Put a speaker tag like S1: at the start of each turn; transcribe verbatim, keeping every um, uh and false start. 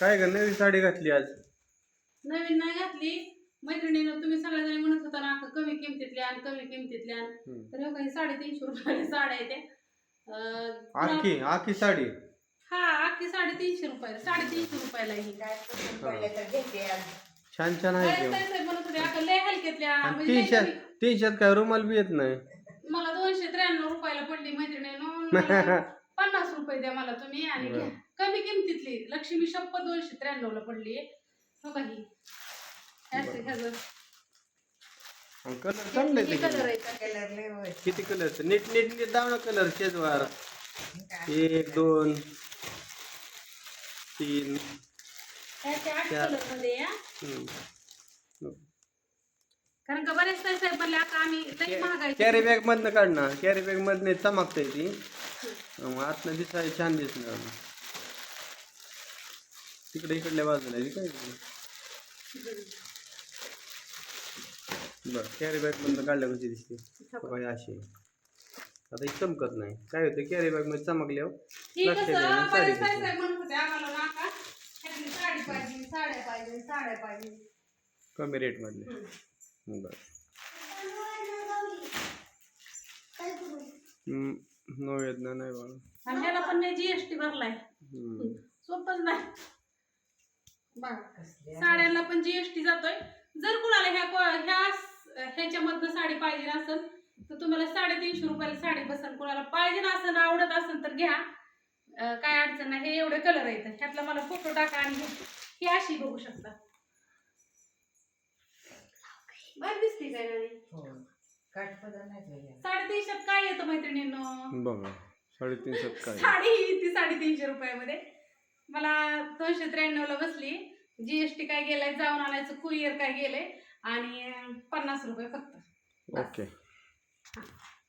S1: काय ग नवी साडी घातली आज?
S2: नवीन नाही घातली मैत्रिणीनं. तुम्ही सगळ्याजणी म्हणत होता ना कमी किमतीतल्या आणि कमी किमतीतल्या, तर हो काही साडेतीनशे रुपयाला साड्या आहेत त्या.
S1: आखी आखी साडी
S2: हा आखी साडेतीनशे रुपयाला साडेतीनशे रुपयाला ही काय
S1: छान छान आहे की.
S2: म्हणत होते अगं लय हलक्यातल्या म्हणजे लय
S1: तीनशे
S2: कमी.
S1: तीनशेत काय रुमाल बी येत नाही.
S2: मला दोनशे त्र्याण्णव रुपयाला पडली मैत्रिणीनं. पन्नास रुपये द्या मला तुम्ही आणि घ्या कमी किमतीतली. लक्ष्मी शप्पथ दोनशे त्र्याण्णव ला पडली हो काही.
S1: कलर चांगले किती कलर नीट नीट नीट दाव ना कलर शेजवार. एक दोन तीन चार.
S2: कारण का बरेच ताई साहेब म्हणले आता आम्ही लई महागाई.
S1: कॅरी बॅग मधनं काढ ना. कॅरी बॅग मधनं चमकते ती आतनं दिसाय छान दिसणार. तिकडे इकडल्या बाजूला काय बर कॅरी बॅग मधनं काढल्या कशी दिसते अशी. आता ही चमकत नाही. काय होतं कॅरी बॅग मध्ये चमकल्यावर
S2: साडी पाहिजे साड्या पाहिजे साड्या पाहिजे
S1: कमी रेट मधले. बर नो वेदना नाही बाळा.
S2: ह्याला पण नाही जीएसटी भरलाय. सोपच नाही. साड्यांना पण जीएसटी जातोय. जर कुणाला ह्या ह्या ह्याच्यामधनं साडी पाहिजे असेल तर तुम्हाला साडेतीनशे रुपयाला साडी बसेल. कुणाला पाहिजे असेल आवडत असेल तर घ्या. काय अडचण नाही. हे एवढे कलर आहेत. ह्यातला मला फोटो टाका आणि ही अशी बघू शकता. बरं दिसते काय साडेतीनशेत काय येतं मैत्रिणींनो
S1: बघा. साडेतीनशेत काय
S2: साडी ती साडेतीनशे रुपयामध्ये मला दोनशे त्र्याण्णव ला बसली. जीएसटी काय गेलाय जाऊन आणायचं कुरिअर काय गेलंय आणि पन्नास रुपये फक्त.
S1: ओके.